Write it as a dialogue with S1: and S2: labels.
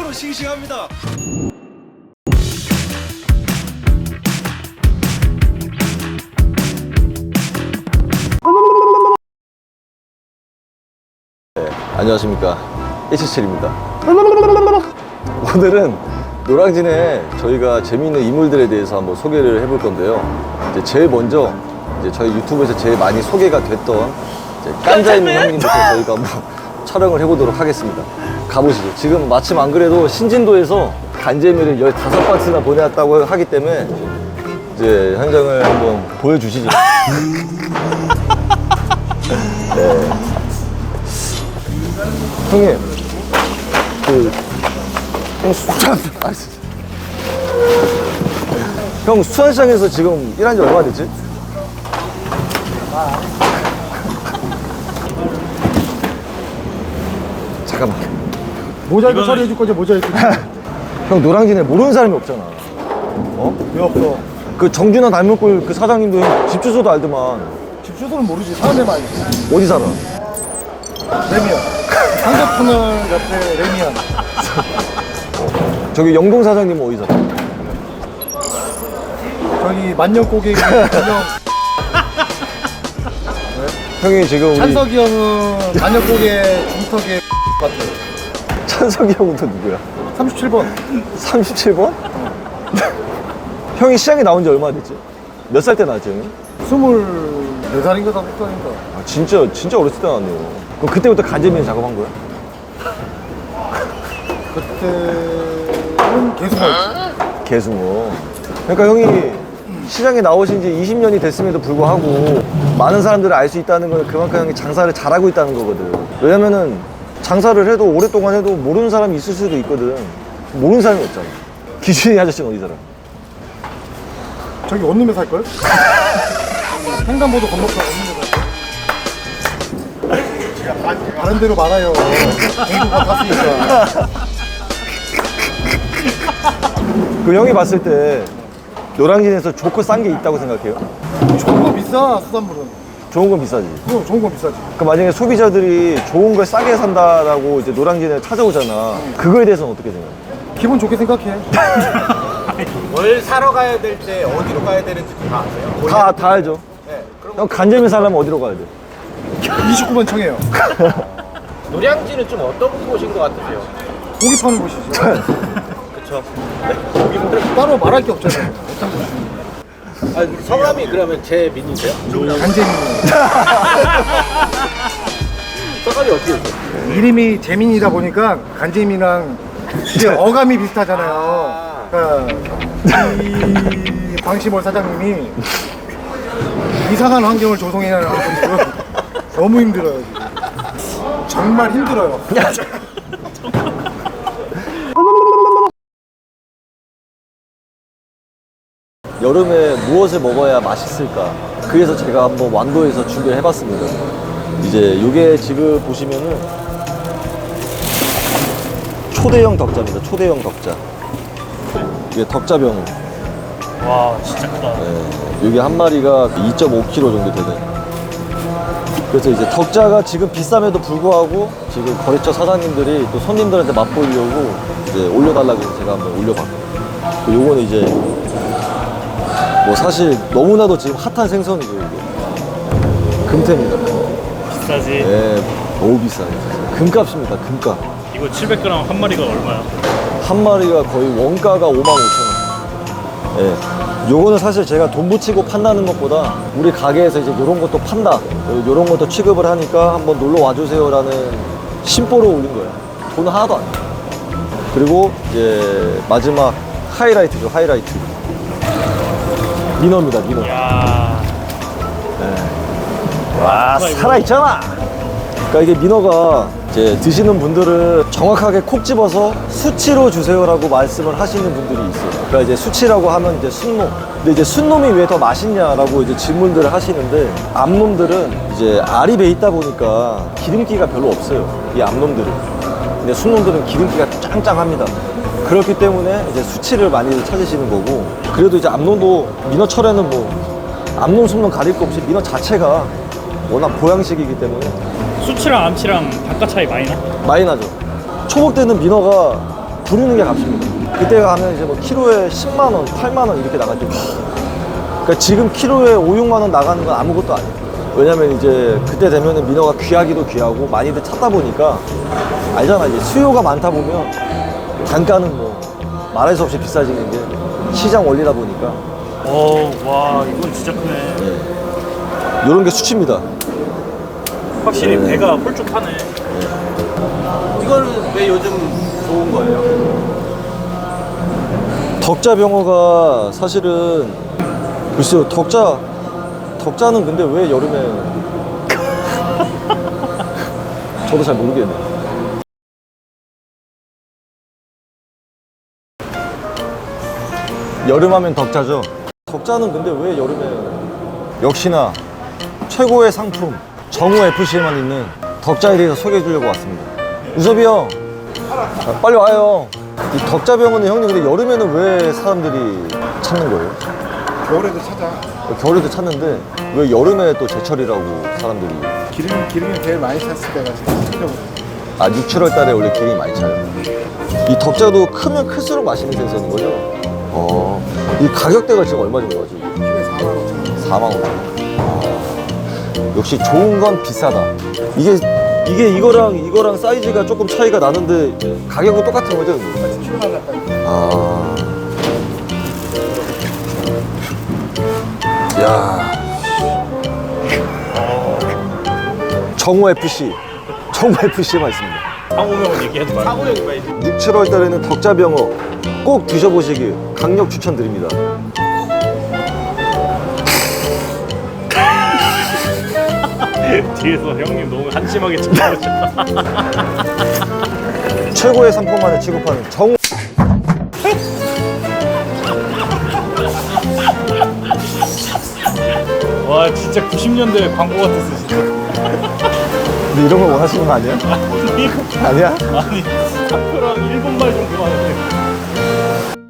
S1: 아주 싱싱합니다.
S2: 안녕하십니까, 177입니다. 오늘은 노량진에 저희가 재미있는 인물들에 대해서 한번 소개를 해볼 건데요. 이제 제일 먼저 저희 유튜브에서 제일 많이 소개가 됐던 깐자 있는 형님부터 저희가 한번 촬영을 해보도록 하겠습니다. 가보시죠. 지금 마침 안 그래도 신진도에서 간재미를 15바트나 보내왔다고 하기 때문에 이제 현장을 한번 보여주시죠. 네. 형님, 형 수산시장에서 지금 일한 지 얼마 됐지? 잠깐만.
S3: 모자이크 처리해 줄 거지, 모자이크.
S2: 형 노량진에 모르는 사람이 없잖아. 어?
S3: 왜 없어?
S2: 그 정준하 닮은꼴 그 사장님도 형 집 주소도 알더만.
S3: 집 주소는 모르지. 사람들만 알지.
S2: 어디 살아?
S3: 레미안. 상대터널 옆에 레미안.
S2: 저기 영동 사장님은 어디 살아?
S3: 저기 만년 고객 전용.
S2: 형이 지금 우리
S3: 찬석이 형은 만년 고객 중턱에 같아요.
S2: 찬석이 형은 또 누구야?
S3: 37번.
S2: 37번? 형이 시장에 나온 지 얼마 됐지? 몇 살 때 나왔지, 형이?
S3: 24살인가 5살인가.
S2: 아, 진짜 어렸을 때 나왔네요. 그럼 그때부터 간재미 작업한 거야?
S3: 그때는 계속 했지.
S2: 개숭어. 그러니까 형이 시장에 나오신 지 20년이 됐음에도 불구하고 많은 사람들을 알 수 있다는 건 그만큼 형이 장사를 잘하고 있다는 거거든. 왜냐면은 장사를 해도 오랫동안 해도 모르는 사람이 있을 수도 있거든. 모르는 사람이 없잖아. 기준이 아저씨는 어디 살아?
S3: 저기 원룸에 살걸? 횡단보도 건너서 원룸에 살걸? 다른 데로 말아요. 공부가 탔으니까.
S2: 그 형이 봤을 때 노량진에서 좋고 싼 게 있다고 생각해요?
S3: 좋은 거 비싸, 수산물은.
S2: 좋은 건 비싸지.
S3: 그럼 좋은 건 비싸지.
S2: 그 만약에 소비자들이 좋은 걸 싸게 산다라고 이제 노량진에 찾아오잖아. 그거에 대해서는 어떻게 생각해?
S3: 기분 좋게 생각해.
S4: 뭘 사러 가야 될 때 어디로 가야 되는지 다 아세요?
S2: 다 알죠.
S4: 네. 그럼
S2: 형 간재미 사려면 어디로 가야 돼?
S3: 29번 청해요.
S4: 노량진은 좀 어떤 곳인 것 같으세요?
S3: 고기 파는 곳이죠.
S4: 그쵸?
S3: 따로 말할 게 없잖아요.
S4: 아, 성함이 그러면 재민이세요?
S3: 간재민.
S4: 성함이 어떻게 되세요?
S3: 이름이 재민이다 보니까 간재민이랑 이제 어감이 비슷하잖아요. 그러니까 이 방시몰 사장님이 이상한 환경을 조성해야 하는 분이고 너무 힘들어요. 지금. 정말 힘들어요.
S2: 여름에 무엇을 먹어야 맛있을까? 그래서 제가 한번 완도에서 준비를 해봤습니다. 이제 요게 지금 보시면은 초대형 덕자입니다. 초대형 덕자. 이게 덕자병.
S5: 와 진짜 크다.
S2: 네, 이게 한 마리가 2.5kg 정도 되는. 그래서 이제 덕자가 지금 비쌈에도 불구하고 지금 거래처 사장님들이 또 손님들한테 맛보이려고 이제 올려달라고 해서 제가 한번 올려봤거든요. 요거는 이제 뭐 사실 너무나도 지금 핫한 생선이고 이게 금태입니다.
S5: 비싸지.
S2: 네, 너무 비싸요. 금값입니다. 금값.
S5: 이거 700g 한 마리가 얼마야?
S2: 한 마리가 거의 원가가 55,000원. 예. 요거는 사실 제가 돈 붙이고 판다는 것보다 우리 가게에서 이제 요런 것도 판다, 요런 것도 취급을 하니까 한번 놀러 와주세요라는 심보로 올린 거예요. 돈 하나도 안 돼요. 그리고 이제 마지막 하이라이트죠, 하이라이트. 민어입니다, 민어.
S5: 야.
S2: 와, 살아있잖아! 그러니까 이게 민어가 이제 드시는 분들은 정확하게 콕 집어서 수치로 주세요라고 말씀을 하시는 분들이 있어요. 그러니까 이제 수치라고 하면 이제 순놈. 근데 이제 순놈이 왜 더 맛있냐라고 이제 질문들을 하시는데 암놈들은 이제 알이 배 있다 보니까 기름기가 별로 없어요. 이 암놈들은. 근데 순놈들은 기름기가 짱짱합니다. 그렇기 때문에 이제 수치를 많이 찾으시는 거고 그래도 이제 암놈도 민어철에는 뭐 암놈, 순놈 가릴 거 없이 민어 자체가 워낙 보양식이기 때문에
S5: 수치랑 암치랑 단가 차이 많이 나?
S2: 많이 나죠. 초복 때는 민어가 부르는 게 값입니다. 그때 가면 이제 뭐 키로에 10만 원, 8만 원 이렇게 나갈 때도 있어요. 그러니까 지금 키로에 5, 6만 원 나가는 건 아무것도 아니에요. 왜냐면 이제 그때 되면은 민어가 귀하기도 귀하고 많이들 찾다 보니까 알잖아. 이제 수요가 많다 보면 단가는 뭐 말할 수 없이 비싸지는 게 시장 원리다 보니까
S5: 와, 이건 진짜 크네.
S2: 이런 게 수치입니다.
S5: 확실히 배가 홀쭉하네.
S4: 이거는 왜 요즘 좋은 거예요?
S2: 덕자병어가 사실은 글쎄요, 덕자는 근데 왜 여름에 저도 잘 모르겠네요. 여름하면 덕자죠. 덕자는 근데 왜 여름에 역시나 최고의 상품 정우 FC에만 있는 덕자에 대해서 소개해 주려고 왔습니다. 우섭이 형, 빨리 와요. 이 덕자병어는 형님 근데 여름에는 왜 사람들이 찾는 거예요?
S3: 겨울에도 찾아.
S2: 겨울에도 찾는데 왜 여름에 또 제철이라고 사람들이
S3: 기름이 제일 많이 찼을 때가 지금 찾려고.
S2: 6, 7월 달에 원래 기름이 많이 차요. 이 덕자도 크면 클수록 맛있는 생선인 거죠? 이 가격대가 지금 얼마 정도 하죠?
S3: 키로에 4만 5천 원.
S2: 4만 5천 원. 역시 좋은 건 비싸다. 이게 이거랑 사이즈가 조금 차이가 나는데 가격은 똑같은 거죠?
S3: 7만 원 가까이.
S2: 야. 정우 FC에만 있습니다.
S5: 상호명은 얘기하지 말고.
S4: 사고형이 많이
S2: 6, 7월 달에는 덕자병어 꼭 드셔보시길 강력 추천드립니다.
S5: 뒤에서 형님 너무 한심하게 쳐다보셨다.
S2: 최고의 상품만을 취급하는 정우.
S5: 와, 진짜 90년대 광고 같았어, 진짜.
S2: 근데 이런 걸 원하시는 거 아니야? 아니야?
S5: 아니, 학교랑 일본말 정도 하는데.